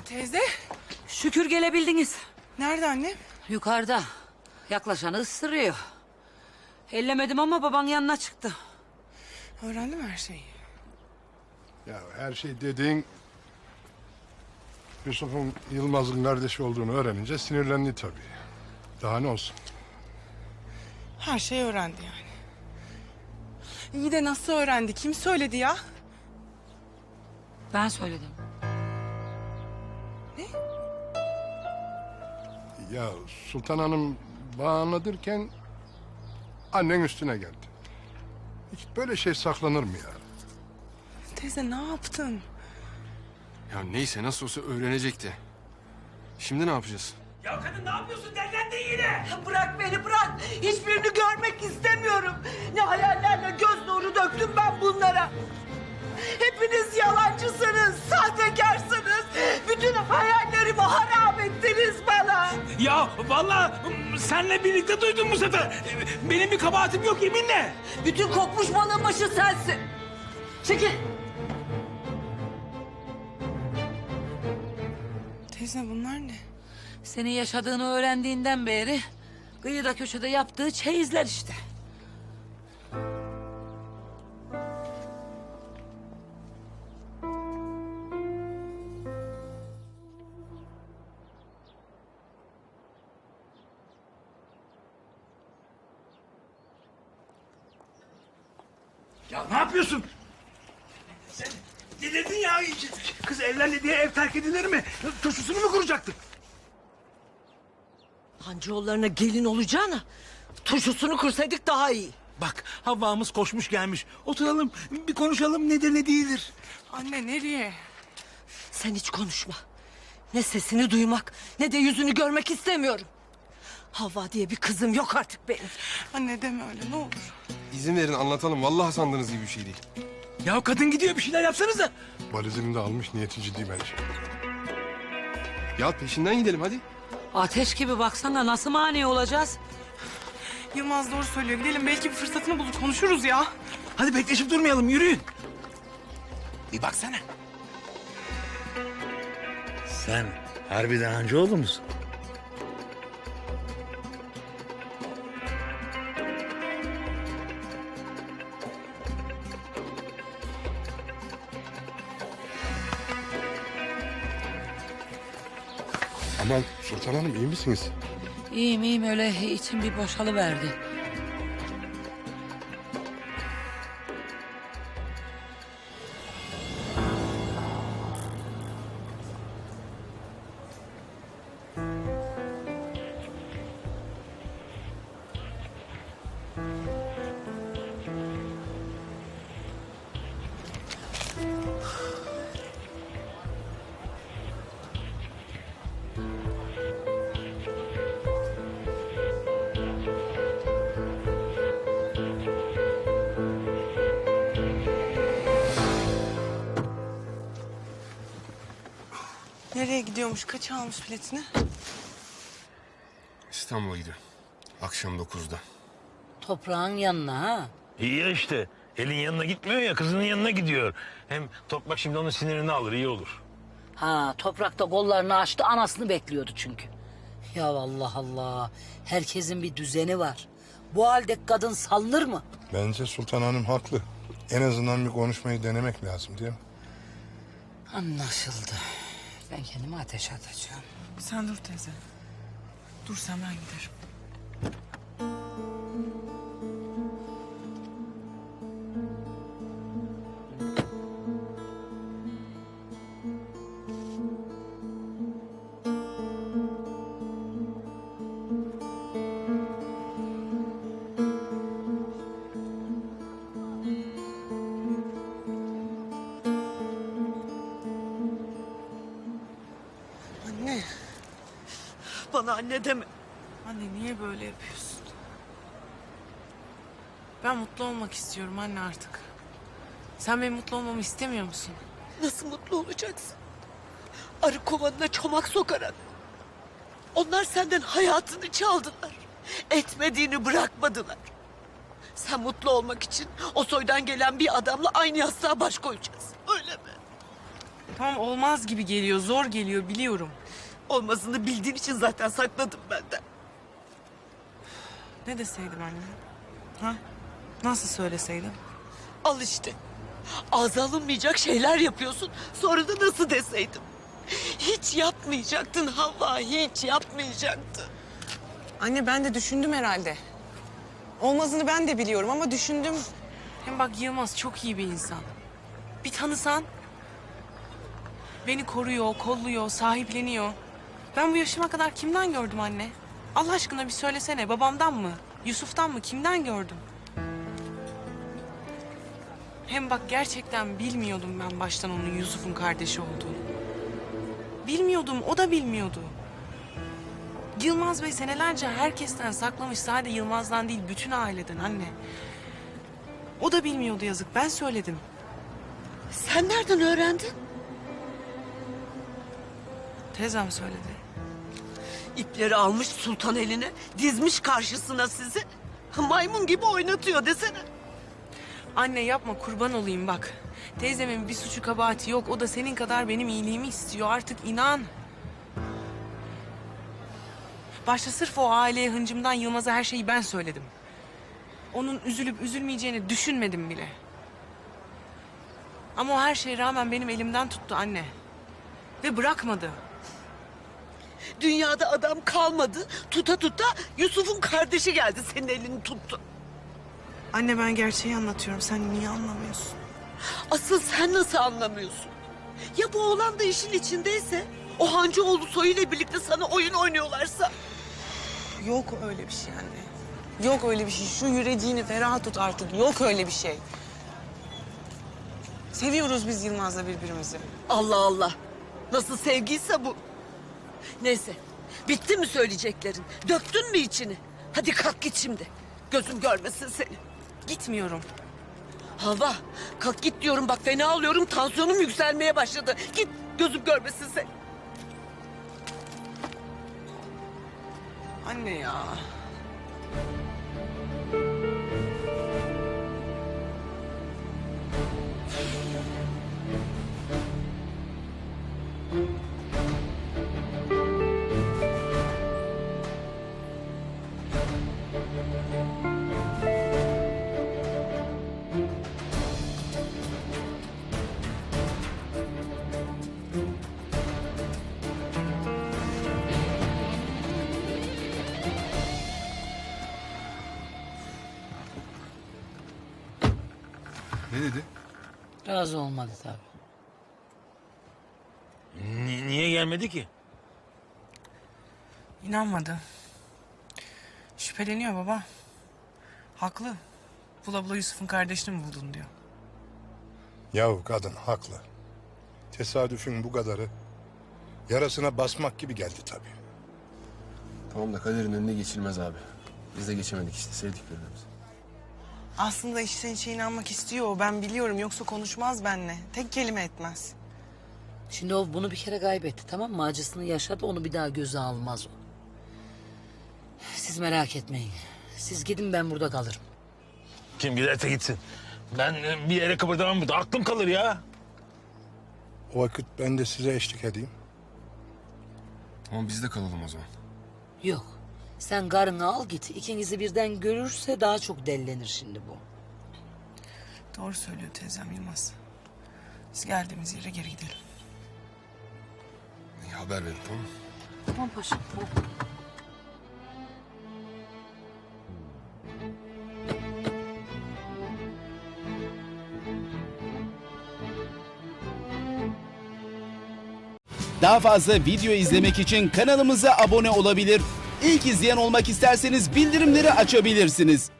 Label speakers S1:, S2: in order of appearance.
S1: Teyze,
S2: Şükür gelebildiniz.
S1: nerede annem?
S2: Yukarıda. Yaklaşanı ısırıyor. Ellemedim ama baban yanına çıktı.
S1: Öğrendim her şeyi.
S3: Ya her şey dediğin Yusuf'un Yılmaz'ın kardeşi olduğunu öğrenince sinirlendi tabii. Daha ne olsun?
S1: Her şeyi öğrendi yani. İyi de nasıl öğrendi? Kim söyledi ya?
S2: Ben söyledim.
S3: Ya Sultan Hanım bağlanırken annen üstüne geldi. Hiç böyle şey saklanır mı ya?
S1: Teyze ne yaptın?
S4: Ya neyse nasıl olsa öğrenecekti. Şimdi ne yapacağız?
S5: Ya kadın ne yapıyorsun? Dellendin yine.
S6: Bırak beni bırak. Hiçbirini görmek istemiyorum. Ne hayallerle göz nuru döktüm ben bunlara. Hepiniz yalancısınız, sahtekarsınız. Bütün hayallerimi harap ettiniz bana.
S5: Ya vallahi senle birlikte duydum bu sefer. Benim bir kabahatim yok yeminle.
S6: Bütün kokmuş balığın başı sensin. Çekil.
S1: Teyze bunlar ne?
S2: Senin yaşadığını öğrendiğinden beri kıyıda köşede yaptığı çeyizler işte.
S5: Ya ne yapıyorsun? Sen ne dedin ya? Kız evlendi diye ev terk edilir mi? Turşusunu mu kuracaktın?
S6: Hancıoğullarına gelin olacağına turşusunu kursaydık daha iyi.
S5: Bak Havva'mız koşmuş gelmiş. Oturalım bir konuşalım nedir ne değildir.
S1: Anne nereye?
S6: Sen hiç konuşma. Ne sesini duymak ne de yüzünü görmek istemiyorum. Havva diye bir kızım yok artık benim.
S1: Anne deme öyle ne olur.
S4: İzin verin anlatalım. Vallahi sandığınız gibi bir şey değil.
S5: Ya kadın gidiyor bir şeyler yapsanıza.
S3: Valizini de almış, niyeti ciddi bence.
S4: Ya peşinden gidelim hadi.
S2: Ateş gibi baksana nasıl mani olacağız?
S1: Yılmaz doğru söylüyor. Gidelim belki bir fırsatını bulur konuşuruz ya.
S5: Hadi bekleşip durmayalım yürüyün. Bir baksana.
S7: Sen harbiden Hancıoğlu musun?
S3: Aman Sultan Hanım iyi misiniz?
S2: İyiyim iyiyim öyle içim bir boşalıverdi.
S1: Nereye gidiyormuş? Kaça almış biletini?
S4: İstanbul'a gidiyor. Akşam 9'da.
S2: Toprağın yanına ha.
S7: İyi ya işte. Elin yanına gitmiyor ya kızının yanına gidiyor. Hem Toprak şimdi onun sinirini alır iyi olur.
S2: Ha toprakta kollarını açtı anasını bekliyordu çünkü. Ya Allah Allah. Herkesin bir düzeni var. Bu halde kadın salınır mı?
S3: Bence Sultan Hanım haklı. En azından bir konuşmayı denemek lazım değil mi?
S2: Anlaşıldı. Ben kendimi ateşe atacağım.
S1: Sen dur teyze. Dur sen ben giderim. Anne.
S6: Bana anne deme.
S1: Anne niye böyle yapıyorsun? Ben mutlu olmak istiyorum anne artık. Sen benim mutlu olmamı istemiyor musun?
S6: Nasıl mutlu olacaksın? Arı kovanına çomak sokarak. Onlar senden hayatını çaldılar. Etmediğini bırakmadılar. Sen mutlu olmak için o soydan gelen bir adamla aynı yastığa baş koyacaksın. Öyle mi?
S1: Tamam, olmaz gibi geliyor, zor geliyor, biliyorum.
S6: Olmasını bildiğin için zaten sakladım benden.
S1: Ne deseydim anne? Ha? Nasıl söyleseydim?
S6: Al işte. Ağza alınmayacak şeyler yapıyorsun. Sonra da nasıl deseydim? Hiç yapmayacaktın Havva, hiç yapmayacaktın.
S1: Anne, ben de düşündüm herhalde. Olmazını ben de biliyorum ama düşündüm. Hem bak, Yılmaz çok iyi bir insan. Bir tanısan. Beni koruyor, kolluyor, sahipleniyor. Ben bu yaşıma kadar kimden gördüm anne? Allah aşkına bir söylesene, babamdan mı? Yusuf'tan mı? Kimden gördüm? Hem bak, gerçekten bilmiyordum ben baştan onun Yusuf'un kardeşi olduğunu. Bilmiyordum, o da bilmiyordu. Yılmaz Bey senelerce herkesten saklamış, sadece Yılmaz'dan değil, bütün aileden anne. O da bilmiyordu, yazık, ben söyledim.
S6: Sen nereden öğrendin?
S1: Teyzem söyledi.
S6: İpleri almış sultan eline, dizmiş karşısına sizi. Maymun gibi oynatıyor desene.
S1: Anne yapma, kurban olayım bak. Teyzemin bir suçu kabahati yok, o da senin kadar benim iyiliğimi istiyor, artık inan. Başta sırf o aileye hıncımdan Yılmaz'a her şeyi ben söyledim. Onun üzülüp üzülmeyeceğini düşünmedim bile. Ama o her şeye rağmen benim elimden tuttu anne. Ve bırakmadı.
S6: Dünyada adam kalmadı. Tuta tuta Yusuf'un kardeşi geldi, senin elini tuttu.
S1: Anne, ben gerçeği anlatıyorum, sen niye anlamıyorsun?
S6: Asıl sen nasıl anlamıyorsun? Ya bu oğlan da işin içindeyse? O Hancıoğlu soyuyla birlikte sana oyun oynuyorlarsa?
S1: Yok öyle bir şey anne. Yok öyle bir şey. Şu yüreğini ferah tut artık. Yok öyle bir şey. Seviyoruz biz Yılmaz'la birbirimizi.
S6: Allah Allah. Nasıl sevgiyse bu. Neyse. Bitti mi söyleyeceklerin? Döktün mü içini? Hadi kalk git şimdi. Gözüm görmesin seni.
S1: Gitmiyorum.
S6: Hava, kalk git diyorum, bak fena alıyorum, tansiyonum yükselmeye başladı. Git, gözüm görmesin seni.
S1: Anne ya.
S4: Ne dedi?
S2: Razı olmadı tabii.
S7: Niye gelmedi ki?
S1: İnanmadı. Şüpheleniyor baba. Haklı. Bula bula Yusuf'un kardeşini mi buldun diyor.
S3: Yahu kadın haklı. Tesadüfün bu kadarı yarasına basmak gibi geldi tabii.
S4: Tamam da kaderin önüne geçilmez abi. Biz de geçemedik işte, sevdik birbirimizi.
S1: Aslında içten içe inanmak istiyor o, ben biliyorum. Yoksa konuşmaz benimle. Tek kelime etmez.
S2: Şimdi o bunu bir kere kaybetti, tamam mı? Acısını yaşadı, onu bir daha göze almaz o. Siz merak etmeyin. Siz gidin, ben burada kalırım.
S7: Kim giderse gitsin. Ben bir yere kıpırdamam burada. Aklım kalır ya.
S3: O vakit ben de size eşlik edeyim.
S4: Tamam, biz de kalalım o zaman.
S2: Yok. Sen karını al git. İkinizi birden görürse daha çok dellenir şimdi bu.
S1: Doğru söylüyor teyzem Yılmaz. Biz geldiğimiz yere geri gidelim.
S4: İyi, haber verin, tamam mı?
S2: Tamam paşam, tamam.
S8: Daha fazla video izlemek için kanalımıza abone olabilir. İlk izleyen olmak isterseniz bildirimleri açabilirsiniz.